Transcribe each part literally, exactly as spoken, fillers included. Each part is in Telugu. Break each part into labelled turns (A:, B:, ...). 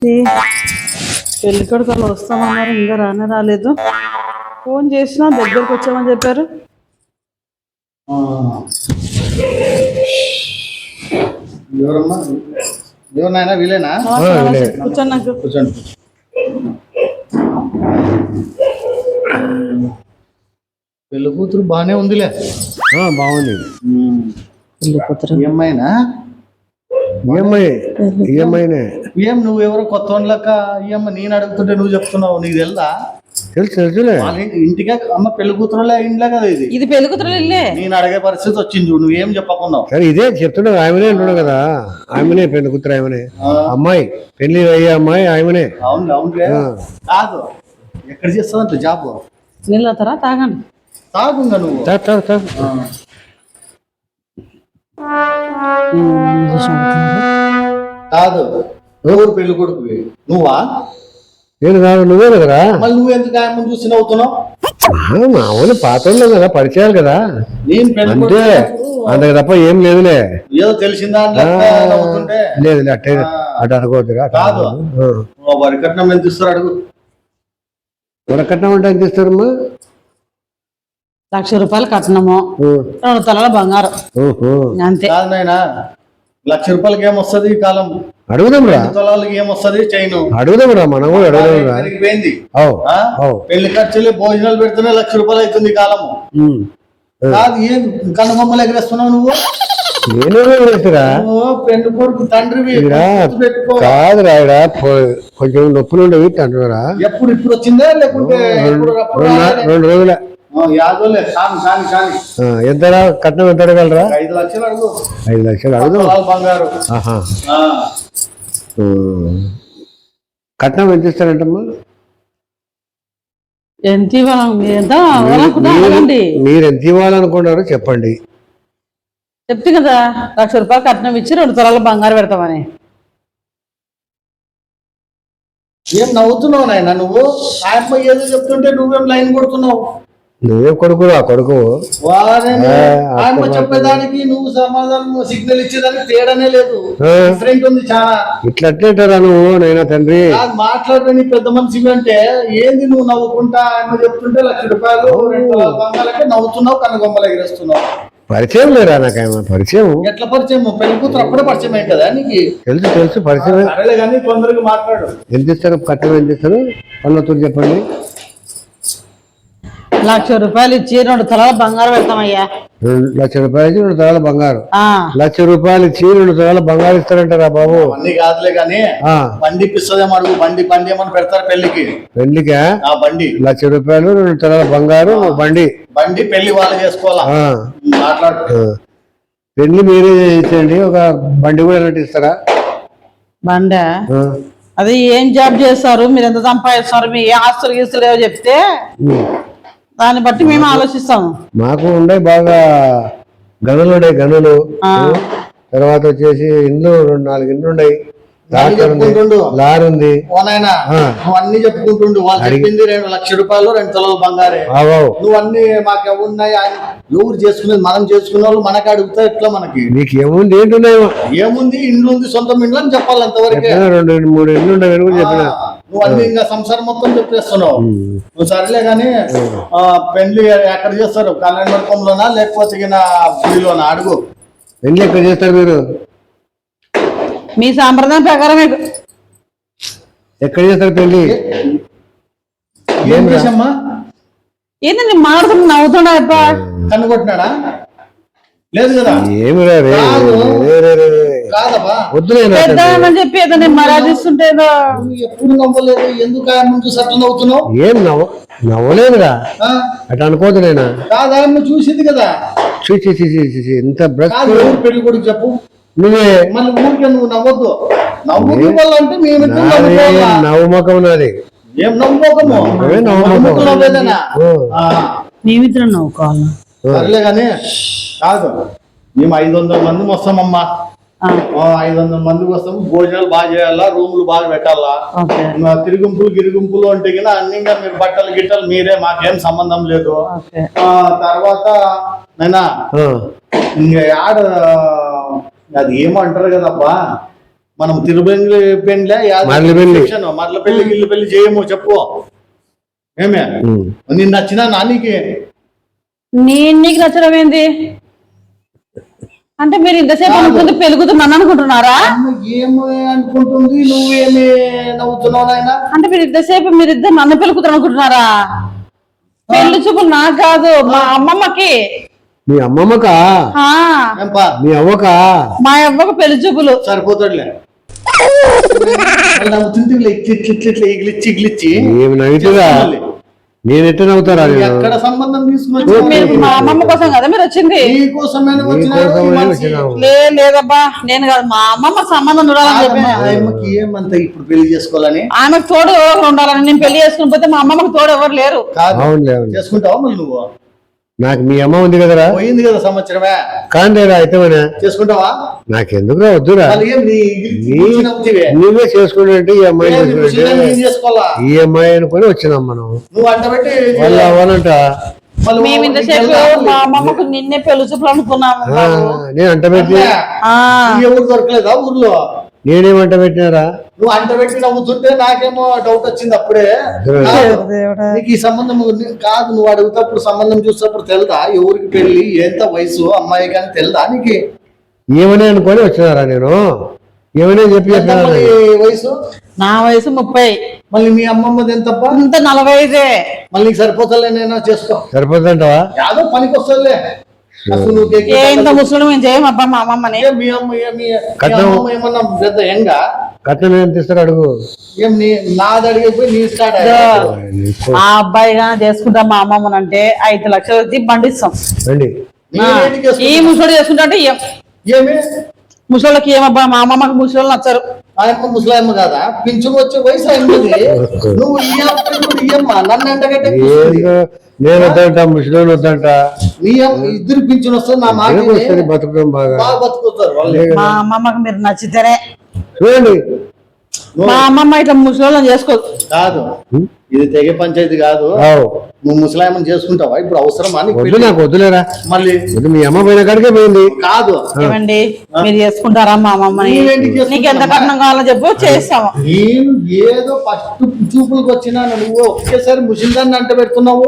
A: పెళ్లి కొడుకు వస్తామన్నారు, ఇంకా రానే రాలేదు. ఫోన్ చేసినా దగ్గరకు వచ్చామని చెప్పారు.
B: ఎవరమ్మా ఎవరినైనా వీలేనా?
A: కూర్చోండి నాకు.
B: కూర్చోండి. పెళ్లి కూతురు బాగానే ఉందిలే.
C: బాగుంది.
A: పెళ్లి కూతురు
B: ఏమైనా
C: ఈఎంఐ ఈఎంఐనే.
B: ఏం నువ్వు ఎవరో కొత్త వాళ్ళక ఈఎంఐ నేను అడుగుతుంటే నువ్వు చెప్తున్నావు, నీకు తెలుదా?
C: తెలుసు తెలుసులే.
B: ఇంటికే అమ్మ పెళ్లి కూతురులే ఇంట్లో కదా ఇది.
A: ఇది పెళ్లి కూతురు ఇల్లే.
B: నేను అడిగే పరిస్థితి వచ్చింది, నువ్వేం చెప్పకున్నావు.
C: సరే ఇదే చెప్తున్నావు, ఆమెనే అంటున్నావు కదా. ఆమెనే పెళ్లి కూతురు, ఆమెనే అమ్మాయి, పెళ్లి అయ్యే అమ్మాయి ఆమెనే.
B: అవును అవును కాదు, ఎక్కడ చేస్తావంట జాబ్?
A: నీళ్ళు అవుతారా? తాగండి.
B: తాగుంగా నువ్వు.
C: తాగు తాగు తాగు.
B: కాదు, ఎవరు పెళ్లి కొడుకువి? నువ్వా?
C: నేను కాదు, నువ్వే కదరా.
B: మళ్ళీ నువ్వు ఎందుకు ఆయన చూసి నవ్వుతున్నావు?
C: మామూలు పాత కదా, పరిచయాలు కదా.
B: నేను
C: అంటే అంతకు తప్ప ఏం లేదులే.
B: ఏదో తెలిసిందా
C: లేదు అట్టే అటు అనుకోవద్దురా.
B: కాదు, వరి కట్నం ఎంత ఇస్తారు అడుగు.
C: వరి కట్నం అంటే ఎంత ఇస్తారమ్మా?
A: లక్ష రూపాయలు కట్నము, రెండు తలల బంగారం, అంతే.
B: కాదు నాయనా, లక్ష రూపాయలకి ఏమొస్తుంది ఈ కాలం?
C: అడుగుదాం రా.
B: తొలాలకి ఏమొస్తుంది? చైన్
C: అడుగుదాం రా, మనం కూడా అడుగుదాం రా.
B: పెరిగిపోయింది. పెళ్లి ఖర్చులు భోజనాలు పెడితేనే లక్ష రూపాయలు అవుతుంది ఈ కాలము. కాదు, ఏం కనుబొమ్మలు ఎగరేస్తున్నావు నువ్వు? పెళ్లి కొడుకు తండ్రివి
C: కాదు రాయడా, కొంచెం నొప్పులు ఉండేవి అంటున్నారా?
B: ఎప్పుడు ఇప్పుడు వచ్చిందా లేకుంటే
C: రెండు రోజులే?
B: ఎంత
C: కట్నం ఎంత అడగలరా?
B: ఐదు లక్షలు అడుగు.
C: ఐదు లక్షలు అడుగు.
B: బంగారు
C: కట్నం ఎంత ఇస్తారంటమ్మా?
A: ఎంత ఇవ్వాలనుకుంటారండి?
C: మీరు ఎంత ఇవ్వాలనుకున్నారో చెప్పండి.
A: చెప్తే కదా, లక్ష రూపాయలు కట్నం ఇచ్చి రెండు తొలాల బంగారు పెడతామని.
B: ఏం నవ్వుతున్నావు నాయన నువ్వు? ఆయమ్మ ఏదో చెప్తుంటే నువ్వేం లైన్ కొడుతున్నావు?
C: నువ్వే కొడుకు ఆ కొడుకు.
B: ఆయమ్మ చెప్పేదానికి నువ్వు సమాధానం సిగ్నల్ ఇచ్చేదానికి తేడానే లేదు, డిఫరెంట్ ఉంది చాలా.
C: ఇట్లా అట్లేంటారా నువ్వు? నైనా తండ్రి
B: మాట్లాడని పెద్ద మనిషి అంటే ఏంది నువ్వు నవ్వుకుంటా ఆయమ్మ చెప్తుంటే లక్ష రూపాయలు రెండు బంగాలకే నవ్వుతున్నావు, కనుగొమ్మలు ఎగిరేస్తున్నావు.
C: పరిచయం లేరా నాకేమో? పరిచయం
B: ఎట్లా పరిచయం? పెళ్లి కూతురు అప్పుడే పరిచయం అయింది కదా నీకు?
C: తెలుసు తెలుసు పరిచయం.
B: సరేలే కానీ తొందరగా మాట్లాడు.
C: ఎంత ఇస్తారు కట్నం? ఎంత ఇస్తారు పనులతో చెప్పండి.
A: లక్ష రూపాయలు ఇచ్చి రెండు తలాల బంగారం పెడతామయ్యా.
C: లక్ష రూపాయలు ఇచ్చి రెండు తలాల బంగారు. లక్ష రూపాయలు ఇచ్చి రెండు తలాల బంగారు ఇస్తారంటారా బాబు?
B: అన్ని కాదులే కానీ బండి ఇప్పిస్తుందేమో అడుగు. బండి బండి ఏమని పెడతారు పెళ్లికి?
C: పెళ్లికా?
B: బండి
C: లక్ష రూపాయలు రెండు తలాల బంగారు బండి.
B: బండి పెళ్లి వాళ్ళు చేసుకోవాలా? మాట్లాడు.
C: పెళ్లి మీరే చేయించండి, ఒక బండి కూడా ఎలాంటి ఇస్తారా?
A: బండ అది ఏం జాబ్ చేస్తారు, మీరు ఎంత సంపాదిస్తారు, మీ ఏ ఆస్తులు గీస్తులు ఏవో చెప్తే దాన్ని బట్టి మేము ఆలోచిస్తాము.
C: మాకు ఉండే బాగా గనులు ఉన్నాయి, గనులు. తర్వాత వచ్చేసి ఇండ్లు రెండు నాలుగు ఇండ్లు ఉన్నాయి, లారీ ఉంది.
B: నువ్వు అన్ని చెప్పుకుంటుండు. వాళ్ళు చెప్పింది రెండు లక్ష రూపాయలు రెండు తొలలు బంగారే. నువ్వు అన్ని మాకు ఎవరున్నాయి, ఎవరు చేసుకునేది మనం చేసుకునే వాళ్ళు మనకి అడుగుతా ఎట్లా? మనకి
C: నీకు ఏముంది? ఏంటున్నాయో
B: ఏముంది? ఇండ్లు ఉంది, సొంతం ఇండ్లు అని చెప్పాలి అంతవరకే.
C: రెండు మూడు ఇండ్లు ఉండవు కూడా చెప్పిన.
B: నువ్వు అన్ని ఇంకా సంసారం మొత్తం చెప్పేస్తున్నావు. నువ్వు సరేలే కానీ పెళ్లి ఎక్కడ చేస్తారు? కళ్యాణ మండపంలోనా లేకపోతే గుడిలోనా? అడుగు.
C: పెళ్లి ఎక్కడ చేస్తారు మీరు?
A: మీ సాంప్రదాయం ప్రకారం
C: ఎక్కడ చేస్తారు పెళ్లి?
B: ఏం చేసమ్మా?
A: ఏంటండి మాట్లాడుతున్నా? నవ్వుతున్నా
B: కనుగొట్టినాడా? లేదు కదా.
C: ఏమి
A: వద్దులేని చెప్పి ఏదో మరాదిస్తుంటే
B: ఎప్పుడు నవ్వలేదు, ఎందుకు ఆయన చూసి అట్లా నవ్వుతున్నావు?
C: ఏం నవ్వ నవ్వలేదురా, అట్లా అనుకోదు. నేను
B: కాదు, ఆయన చూసింది కదా.
C: చూసి చూసి ఎంత
B: పెళ్లి కొడుకు చెప్పు.
C: నువ్వే
B: మళ్ళీ ఊరికే నువ్వు నవ్వద్దు. నవ్వు అంటే మేము
C: నవ్వుముఖం నాది.
B: ఏం నవ్వుకోకము? నవ్వేదనా
A: మేమిద్దరం నవ్వుకోవాలి.
B: సరేలే కానీ కాదు, మేము ఐదు వందల మంది వస్తామమ్మా. ఐదు వందల మందికి వస్తాము. భోజనాలు బాగా చేయాలా, రూములు బాగా పెట్టాలా, తిరుగుంపులు గిరుగుంపులు అంటే కదా అన్ని మీరు బట్టలు గిట్టలు మీరే, మాకేం సంబంధం లేదు. తర్వాత నైనా ఇంకా ఆడ అది ఏమంటారు కదబ్బా, మనం తిరుపతి పెండ్లే
C: మరల పెళ్లి.
B: మరల పెళ్లి ఇల్లు పెళ్లి చేయము చెప్పు ఏమే
C: ఉమ్.
B: నిన్ను నచ్చినా నానికి
A: నేను నీకు నచ్చడం ఏంది అంటే మీరు ఇంతసేపు అనుకుంది పెరుగుతున్నాను అనుకుంటున్నారా?
B: ఏమో అనుకుంటుంది నువ్వేమి నవ్వుతున్నావు నాయన?
A: అంటే మీరు ఇంతసేపు మీరు ఇద్దరు నన్ను పెరుగుతారు అనుకుంటున్నారా? పెళ్లి చూపులు నాకు కాదు మా అమ్మమ్మకి.
C: మీ అమ్మమ్మకా?
A: ఆ,
B: ఏంపా
C: మీ అవ్వకా?
A: మా అవ్వకు పెళ్లి చూపులు.
B: సరిపోతాడులే నవ్వుతుంటే ఇట్లా ఇట్లా ఇట్లా ఇట్లా ఇగిలిచ్చి ఇగిలిచ్చి
C: ఏమి నవ్వుతుందా? నేను ఎట్లా నవ్వుతారా?
B: ఎక్కడ సంబంధం
A: మీరు
B: తీసుకొచ్చి
A: మా అమ్మమ్మ కోసం కదా మీరు వచ్చింది?
B: నీకోసమేనా వచ్చినా?
A: లే లేదబ్బా నేను కాదు మా అమ్మమ్మ సంబంధం చూడాలని చెప్పిన.
B: ఆయమ్మకి ఏమంత ఇప్పుడు పెళ్లి చేసుకోవాలని?
A: ఆమెకు తోడు ఎవరు ఉండాలని. నేను పెళ్లి చేసుకుని పోతే మా అమ్మమ్మకి తోడు ఎవరు లేరు.
B: కాదు
C: అవునులే అవును.
B: చేసుకుంటావా మళ్ళీ నువ్వు?
C: నాకు మీ అమ్మ ఉంది కదరా?
B: పోయింది కదా సంవత్సరమే.
C: కాందేరా అయితే
B: చేసుకుంటావా?
C: నాకెందుకురా వద్దురా.
B: మళ్ళీ ఏం నీ ఇగిలిచ్చి నవ్వుతావే?
C: నువ్వే చేసుకుంటే ఈ అమ్మాయి
B: ఏం ముసలిదాన్ని నేను చేసుకోవాలా?
C: ఈ అమ్మాయి అనుకుని వచ్చినాం మనం.
B: నువ్వు అంట పెట్టి
C: వాళ్ళు అవ్వాలంట.
B: మళ్ళీ
A: మేము ఇంతసేపు మా అమ్మమ్మకు నిన్నే పెళ్లి చూపులు అనుకున్నాము
C: ఆ,
A: బాబు.
C: నేను అంట పెట్టి
A: ఆ,
B: ఈ ఎవరు దొరకలేదా ఊర్లో?
C: నేనేమంట పెట్టినారా?
B: నువ్వు అంట పెట్టి నవ్వుతుంటే నాకేమో డౌట్ వచ్చింది అప్పుడే. కాదు,
A: దేవుడా.
B: నీకు ఈ సంబంధం నీ- కాదు నువ్వు అడుగుతప్పుడు సంబంధం చూసేటప్పుడు తెలుదా ఎవరికి పెళ్లి ఎంత వయసు అమ్మాయి కానీ తెలుదా నీకు?
C: ఏమని అనుకొని వచ్చినారా నేను? ఏమని చెప్పి
B: ఎంత
C: చెప్పినారా?
B: మళ్ళీ వయసు?
A: నా వయసు ముప్పై.
B: మళ్ళీ మీ అమ్మమ్మది ఎంతప్ప?
A: ఇంత నలభై ఐదే.
B: మళ్ళీ నీకు సరిపోతలే నేను చేసుకో.
C: సరిపోతుందంటావా?
B: యాదో పనికి వస్తలే. అసలు నువ్వు కేక్
A: ఏ ఇంత ముసలి మేము చేయమబ్బా మా అమ్మమ్మని.
B: ఏం మీ అమ్మ ఏం మీ- మీ
C: కట్నం.
B: అమ్మమ్మ ఏమన్నా పెద్ద ఎంగా?
C: కట్నం ఏం తీస్తారు అడుగు.
B: ఏం నీ నాది అడిగిపోయి నీ స్టార్ట్
A: ఆ అబ్బాయి గాని చేసుకుంటాం మా అమ్మమ్మని అంటే ఐదు లక్షలు వచ్చి బండిస్తాం.
C: రండి.
A: ఈ ముసలి చేసుకుంటా అంటే ఏం
B: ఏమి
A: ముసలికి ఏమబ్బా మా అమ్మమ్మకి ముసలి నచ్చరు.
B: ఆయమ్మ ముసలాయమ్మ కాదా? పింఛను వచ్చే వయసు అయింది. నువ్వు ఈ అప్పుడు ఇయ్యమ్మా నన్ను ఎండగట్టే
C: ఏదో నేను వద్దంట, ముసలి వద్దంట.
B: నీ అమ్మ ఇద్దరు పింఛను వస్తుంది నా మాట
C: ఏదో వస్తుంది బతుకుతాం బాగా.
B: బాగా బతుకుతారు వాళ్ళు.
A: మా అమ్మమ్మకి మీరు నచ్చితేనే.
C: చూడండి.
A: మా అమ్మమ్మ ఇట్లా ముసలి చేసుకోదు.
B: కాదు ఇది తెగ పంచాయతీ కాదు.
C: ఆవ్.
B: నువ్వు ముసలాయమ్మని చేసుకుంటావా? ఇప్పుడు అవసరమా నీకు
C: వద్దు,
B: పెళ్లి?
C: నాకు వద్దులేరా.
B: మళ్ళీ
C: వద్దు, మీ అమ్మ పోయిన కాడికే పోయింది.
B: కాదు
A: ఏమండి మీరు చేసుకుంటారా మా అమ్మమ్మని?
B: నువ్వేంటికి చేసుకుంటావా?
A: నీకు ఎంత కట్నం కావాలో చెప్పు చేస్తాము.
B: నేను ఏదో ఫస్ట్ చూపులకు వచ్చినా నువ్వు ఒకేసారి ముసిల్దాన్ని అంట పెడుతున్నావు.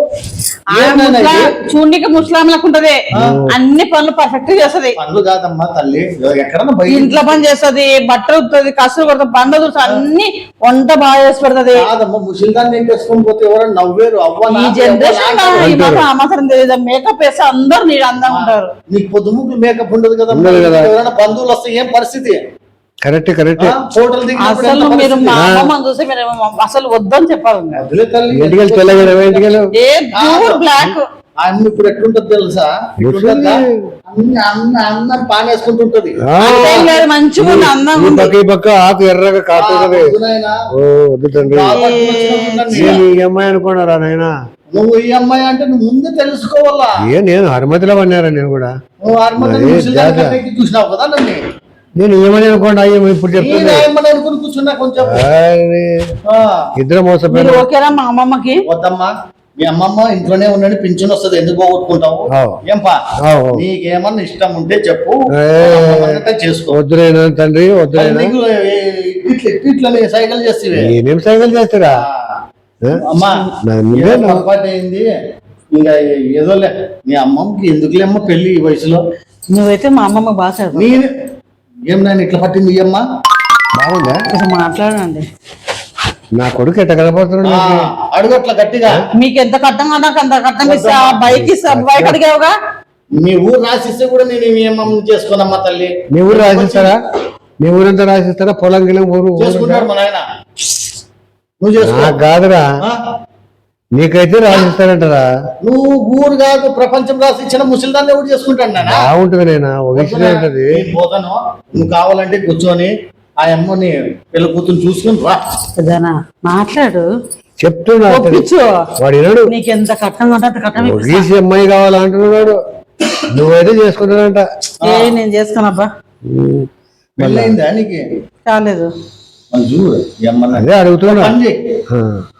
A: చూడనికి ముస్లాంలకు ఉంటది. అన్ని పనులు పర్ఫెక్ట్ చేస్తది.
B: పనులు కాదమ్మా తల్లి, ఎక్కడన్నా బయట
A: ఇంట్లో పని చేస్తది, బట్టలు ఉతుంది, కసులు కొడుతుంది, బండ చూస్తుంది, అన్ని వంట బాగా చేసి పెడుతుంది.
B: కాదమ్మా ముసిల్దాన్ని ఏం చేసుకొని పోతే ఎవరైనా నవ్వేరు. అవ్వ
A: ఈ జనరేషన్ ఈ మాత్రం అవసరం తెలియదు. మేకప్ వేస్తే అందరు నీళ్ళు అందంగా ఉంటారు.
B: నీకు పొద్దుముగ్గులు మేకప్ ఉండదు కదా.
C: ఉండదు కదా.
B: ఎవరైనా బంధువులు వస్తే ఏం పరిస్థితి?
C: Correct correct.
B: ఫోటోలు దిగినప్పుడు
A: అసలు
B: ఎంత
A: మీరు మా
B: పరిస్థితి?
A: అమ్మమ్మని చూసి మీరు అసలు వద్దని చెప్పాలి.
B: వదిలే తల్లి.
C: ఇంటికి వెళ్ళి తెల్లగా ఇంటికి వెళ్ళి
A: ఏ ప్యూర్ బ్లాక్
B: ఆ అమ్మ ఇప్పుడు ఎట్లుంటది తెలుసా? ఎట్లుంటదా? అన్ని అన్న అన్నం పానేసుకుంటుంటది.
A: లేదు మంచిగా ఉంది, అందంగా
C: ఈ
A: ఉంది.
C: పక్క ఈ పక్క ఆకు ఎర్రగా కాటుతుంది.
B: వద్దు నాయనా.
C: ఓ వద్దు తండ్రి.
B: బాగా పట్టుకొచ్చినట్టు
C: నేను
B: ఉన్నాను.
C: ఈ అమ్మాయి అనుకున్నారా నాయన?
B: నువ్వు ఈ అమ్మాయి అంటే నువ్వు ముందే తెలుసుకోవాలా.
C: ఏ నేను హనుమతిలో పన్నారా నేను కూడా.
B: నువ్వు అర్మతి
C: మరి
B: ముసలిదాన్ని
C: జాగ్రత్త.
B: కట్టేకి చూసినావు కదా నన్ను.
C: నేను ఏమని అనుకోండి అయ్యో ఇప్పుడు
B: నేను
C: చెప్తుంది.
B: ఏమని అనుకుని కూర్చున్నా కొంచెం.
C: ఆయ్,
B: ఆ,
C: ఇద్దరు
A: మీరు
C: మోసపోయారు.
A: ఓకేనా మా అమ్మమ్మకి?
B: వద్దమ్మా మీ అమ్మమ్మ ఇంట్లోనే ఉన్నాడు, పింఛన్ వస్తుంది, ఎందుకు పోగొట్టుకుంటావు?
C: ఆవ్.
B: ఏంపా
C: ఆవ్.
B: నీకేమన్నా ఇష్టం ఉంటే చెప్పు,
C: ఏ,
B: అమ్మమ్మన్నట్టే చేసుకో.
C: వద్దులేనా తండ్రి వద్దులేనా?
B: నీకు ఇట్లా ఇట్లా సైకిల్ చేస్తే
C: నేనేం సైకిల్ చేస్తారా?
B: అమ్మా
C: నా ముందే
B: ఏదో
C: నా-
B: పొరపాటు అయింది. ఇంకా ఏదోలే మీ అమ్మమ్మకి ఎందుకులేమ్మా పెళ్లి ఈ వయసులో.
A: నువ్వైతే మా అమ్మమ్మ బాగా చదువు.
B: నేను ఏం నేను ఇట్లా పట్టింది ఈ అమ్మ.
C: బాగుందా?
A: కొంచెం మాట్లాడండి.
C: నా కొడుకు ఎట్ట కనపడుతున్నాడు
B: ఆ,
C: నాకు?
B: అడుగు అట్లా గట్టిగా.
A: మీకు ఎంత కట్టం కదా నాకు అంత కట్టం ఇస్తా. బైక్ ఇస్తా. బైక్ అడిగావుగా.
B: మీ ఊరు రాసిస్తే కూడా నేను మీ అమ్మమ్మ చేసుకోనమ్మా తల్లి.
C: మీ ఊరు రాసిస్తారా? మీ ఊరంతా రాసిస్తారా? పొలం గిలం ఊరు ఊరు
B: చేసుకుంటాడు మా నాయన. నువ్వు చేసుకో.
C: నాకు కాదురా,
B: ఆ?
C: నీకైతే రాసిస్తారంటారా?
B: నువ్వు ఊరు కాదు ప్రపంచం రాసి ఇచ్చిన ముసలిదాన్ని ఎవరు చేసుకుంటాను నాన్న.
C: బాగుంటది నేను ఒక విషయం ఉంటది.
B: నేను పోతాను, నువ్వు కావాలంటే కూర్చొని ఆ అమ్మని పిల్ల కూతురు చూసుకుని రా.
A: పెద్దనా మాట్లాడు.
C: చెప్తున్నా
A: ఒప్పించు.
C: వాడు వినడు.
A: నీకు ఎంత కట్టం అంటే అంత కట్టం ఇప్పిస్తా.
C: గీసి అమ్మాయి కావాలంటున్నాడు. నువ్వైతే చేసుకుంటానంట.
A: ఏ నేను చేసుకోనబ్బా.
B: పెళ్ళయిందా నీకు?
A: కాలేదు.
B: మరి చూడు ఈ అమ్మని
C: అదే అడుగుతున్నా.
B: పని చేయి.
C: ఆ.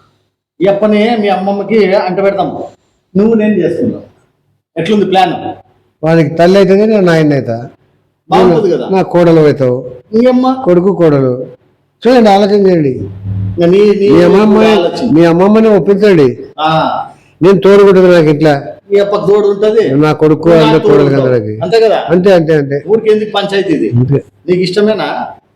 B: ఈ అప్పని మీ అమ్మమ్మకి అంట పెడతాం, నువ్వు నేను చేసుకుందాం. ఎట్లుంది ప్లాన్?
C: వానికి తల్లి అవుతుంది, నేను నాయన అవుతా.
B: బాగుంటుంది కదా.
C: నా కోడలు అవుతావు,
B: ఇంకేమ్మా
C: కొడుకు కోడలు. చూడండి, ఆలోచన చేయండి.
B: ఇంకా నీ నీ
C: మీ అమ్మమ్మ
B: ఆలోచన.
C: మీ అమ్మమ్మని ఒప్పించండి.
B: ఆ,
C: నేను తోడుకుంటుంది నాకు ఇట్లా,
B: ఈ అప్ప తోడు ఉంటది,
C: నా కొడుకు
B: నువ్వు
C: అందరు
B: నాకు తోడు
C: కోడలు
B: ఉంటావు.
C: అందరికి.
B: అంతే కదా.
C: అంతే అంతే అంతే
B: ఊరికి ఎందుకు పంచాయతీ ఇది?
C: అంతే.
B: నీకు ఇష్టమేనా?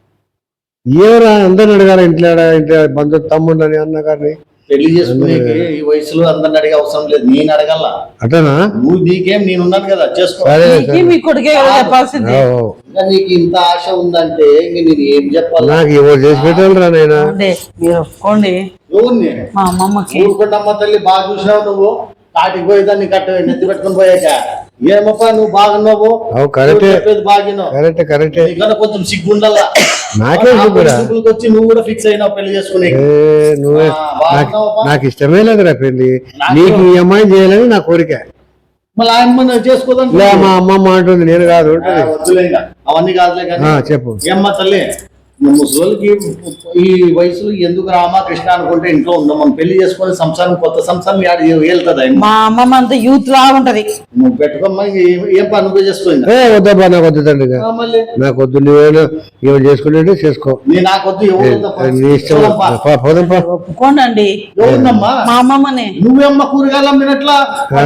C: ఎవరా అందరిని అడగాల, ఇంట్లో ఇంట్లో బంధు తమ్ముళ్ళని అన్నగారిని
B: పెళ్లి చేసుకునేకి ఈ వయసులో అందరిని అడిగే అవసరం లేదు, నేను అడగల.
C: అటనా?
B: నువ్వు నీకేం నేనున్నాను కదా, చేసుకో.
C: సరే
A: నీకు మీ కొడుకే కదా చెప్పాల్సింది.
C: ఓ, ఓ.
B: ఇంకా నీకు ఇంత ఆశ ఉందంటే ఇంక నేను ఏం చెప్పాలా?
C: నాకు ఎవరు చేసి పెట్టాలరా నాయనా?
A: అంటే మీరు ఒప్పుకోండి
B: ఎవరిని?
A: మా అమ్మమ్మకి.
B: ఊరుకుంటమ్మ తల్లి, బాగా చూసినావు నువ్వు. కాటికి పోయేదాన్ని కట్ట నెత్తి పెట్టుకుని పోయాక ఏమప్పా నువ్వు బాగున్నావు,
C: అవు కరెక్టే,
B: చెప్పేది బాగినావు.
C: కరెక్టే కరెక్టే.
B: నీకన్నా కొంచెం సిగ్గుండాలా.
C: నాకే సిగ్గురా?
B: వచ్చి నువ్వు కూడా ఫిక్స్ అయినావు పెళ్లి చేసుకునే.
C: ఏ, నువ్వే నాకు నాకు ఇష్టమే లేదురా పెళ్లి. నీకు ఈ అమ్మాయిని చేయాలని నా కోరిక.
B: మళ్ళీ ఆయన చేసుకోదాం.
C: లే, మా అమ్మమ్మ అంటుంది, నేను కాదు ఉంటుంది.
B: వద్దులే ఇంకా అవన్నీ కాదులే కానీ.
C: ఆ, చెప్పు.
B: ఏమ్మా తల్లి, ముసలికి ఈ వయసులో ఎందుకు రామా కృష్ణ అనుకుంటే ఇంట్లో ఉందాం. మనం పెళ్లి చేసుకుని సంసారం, కొత్త సంసారం వెళ్తుందా?
A: మా అమ్మమ్మ అంతా యూత్ లా ఉంటది.
B: నువ్వు పెట్టుకోమ్మా, ఇంక ఏం- ఏం పని నువ్వే చేసుకో ఇంకా.
C: ఏ వద్దబ్బా, నాకు వద్దు తండ్రి.
B: ఆ, మళ్ళీ
C: నాకు వద్దు, నువ్వేనా ఏమైనా చేసుకుంటే చేసుకో.
B: నీ నాకొద్దు, ఎవరు వద్దప్పా.
C: నీ ఇష్టం.
B: చూడమ్మా.
C: పా, పోదాంపా.
A: ఒప్పుకోండి అండి.
B: ఎవరుందమ్మా?
A: మా అమ్మమ్మనే.
B: నువ్వేమ్మా కూరగాయలు అమ్మినట్లా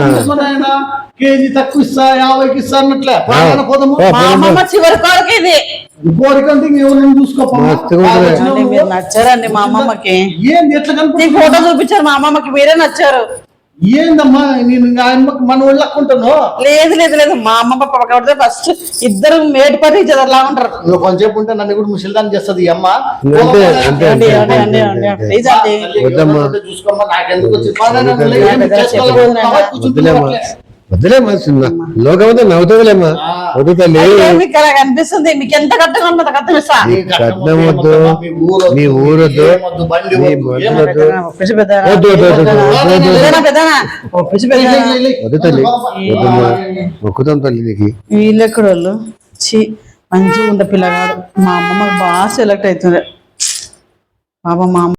B: ఆయన కేజీ తక్కువ ఇస్తా, యాభైకి ఇస్తా అన్నట్లే. పోదామా, పోదాము.
C: పో,
A: మా అమ్మమ్మ చివరి కోరిక ఇది.
B: కోరికంటే ఎవరైనా చూసుకోపా.
C: మస్తుగా ఉంటుంది.
A: అంటే మీరు నచ్చారండి మా అమ్మమ్మకి.
B: ఏంది ఎట్లా
A: నీకు
B: కనుక
A: ఫోటో చూపించారు మా అమ్మమ్మకి, మీరే నచ్చారు.
B: ఏందమ్మా నేను ఇంకా ఆయమ్మకి మన వాళ్ళు లక్కుంటాను.
A: లేదు లేదు లేదు, మా అమ్మమ్మ పక్కన ఫస్ట్ ఇద్దరు మేటి పని చదరలా ఉంటారు.
B: నువ్వు కొంచెంసేపు ఉంటే నన్ను కూడా ముసలిదాన్ని చేస్తుంది ఈ అమ్మ.
C: అంతే అంతే
A: అండి
C: అంతే
A: అండి
C: అంతే
A: అండి
C: అంతే.
A: ప్లీజ్ అండి.
B: తల్లి,
C: వద్దమ్మా.
B: ఎవరైనా ఉంటే చూసుకోమ్మా, నాకెందుకు వచ్చి పని
C: వద్దు
B: నన్ను
C: తల్లి.
B: ఏం చేసుకోవాలనుకుంటున్నావా?
C: వద్దులేమ్మా, వద్దులేమ్మా, చిన్న లోకమంతా నవ్వుతుందిలేమ్మా. వద్దు తల్లి.
A: అయితే మీకు అలా కనిపిస్తుంది, మీకు ఎంత కట్టగా ఉంటుంది కట్టం ఇస్తా.
B: నీ
C: కట్నం వద్దు,
B: మీ ఊరొద్దు,
C: నీ ఊరొద్దు,
B: ఏమొద్దు, బండి
C: నీ
B: వద్దు,
C: బండి
B: ఏమొద్దు.
C: వద్దు.
A: ఒప్పించి పెద్దనా?
C: వద్దు, వద్దు, వద్దు, వద్దు, వద్దు, వద్దు.
A: పెద్దనా పెద్దనా? ఒప్పించి పెద్దనా?
C: వద్దు తల్లి, వద్దమ్మా. మొక్కుతాం తల్లి నీకు.
A: వీళ్ళు ఎక్కడోళ్ళు చి మంచిగా ఉండే పిల్లగాడు. మా అమ్మమ్మకి బాగా సెలెక్ట్ అవుతుంది. పాపం మా అమ్మ